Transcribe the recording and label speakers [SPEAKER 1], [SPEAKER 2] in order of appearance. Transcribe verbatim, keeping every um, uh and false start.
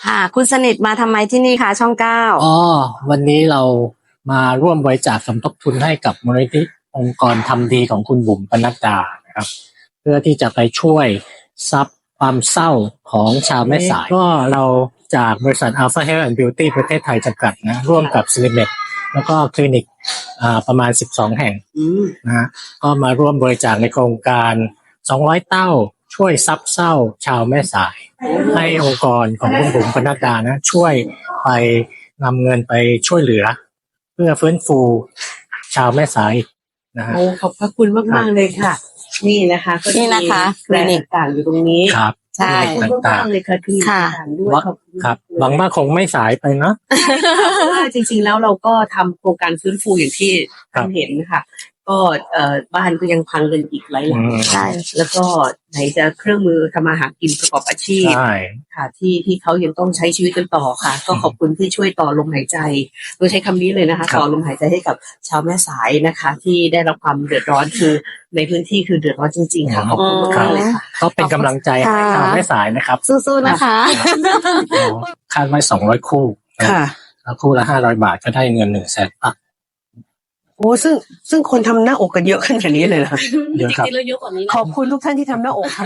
[SPEAKER 1] ค่ะ คุณสนิทมาทำไมที่นี่คะช่องเก้า
[SPEAKER 2] อ๋อวันนี้เรามาร่วมบริจาคสมทบทุนให้กับมูลนิธิองค์กรทำดีของคุณบุ๋มปนัดดานะครับ เพื่อที่จะไปช่วยซับความเศร้าของชาวแม่สายก็เราจากบริษัท Alpha Health and Beauty ประเทศไทยจำกัดนะร่วมกับ Silimed แล้วก็คลินิกอ่าประมาณสิบสองแห่งนะฮะก็มาร่วมบริจาคในโครงการสองร้อยเต้าช่วยซับเศร้าชาวแม่สาย ให้องค์กรของคุณบุ๋มปนัดดานะช่วยไปนำเงินไปช่วยเหลือ เพื่อฟื้นฟูชาวแม่สายนะฮะ
[SPEAKER 3] โอ้ขอบพระคุณมากๆเลยค่ะ นี่นะคะก็
[SPEAKER 1] นี่นะคะค
[SPEAKER 3] แบร
[SPEAKER 1] ลิ
[SPEAKER 3] น
[SPEAKER 1] นิก
[SPEAKER 3] ด์ต่างๆอยู่ตรงนี้
[SPEAKER 2] ครับ
[SPEAKER 1] ใช่
[SPEAKER 3] ขอบคุณมากๆเลยค่ะคลินิก
[SPEAKER 1] ค่ะ
[SPEAKER 3] ต่างๆด้วย
[SPEAKER 2] ว่า
[SPEAKER 3] ขอบคุณ
[SPEAKER 2] ครับ
[SPEAKER 3] เลย
[SPEAKER 2] หวังว่าคงไม่สายไปเนาะ
[SPEAKER 3] เพราะว่าจริงๆแล้วเราก็ทำโครงการฟื้นฟูอย่างที่
[SPEAKER 2] ครับ
[SPEAKER 3] ท่านเห็นค่ะ ก็เอ่อบ้านก็ยังพังกันอีกหลายหลัง
[SPEAKER 2] อืม
[SPEAKER 1] ใช่
[SPEAKER 3] แล้วก็ไหนจะเครื่องมือทำมาหากินประกอบอาชีพ
[SPEAKER 2] ใช่
[SPEAKER 3] ค่ะที่ที่เขายังต้องใช้ชีวิตกันต่อค่ะ ก็ขอบคุณที่ช่วยต่อลมหายใจโดยใช้คำนี้เลยนะคะ
[SPEAKER 2] ครับ
[SPEAKER 3] ต่อลมหายใจให้กับชาวแม่สายนะคะ ที่ได้รับความเดือดร้อนคือในพื้นที่คือเดือดร้อนจริงๆค่ะขอบคุณมากๆเลยค่ะ
[SPEAKER 2] ก็เป็นกำลังใจให้ชาวแม่สายนะครับ
[SPEAKER 1] สู้ๆนะคะ
[SPEAKER 2] คาดไว้สองร้อยคู่
[SPEAKER 3] ค่ะ
[SPEAKER 2] แล้วคู่ละห้าร้อยบาทก็ได้เงินหนึ่งแสนบาท
[SPEAKER 3] โอ้ซึ่งซึ่งคนทำหน้าอกกันเยอะขนาดนี้เลยเหรอ
[SPEAKER 2] เยอะครับ
[SPEAKER 3] ขอบคุณทุกท่านที่ทำหน้าอกค่ะ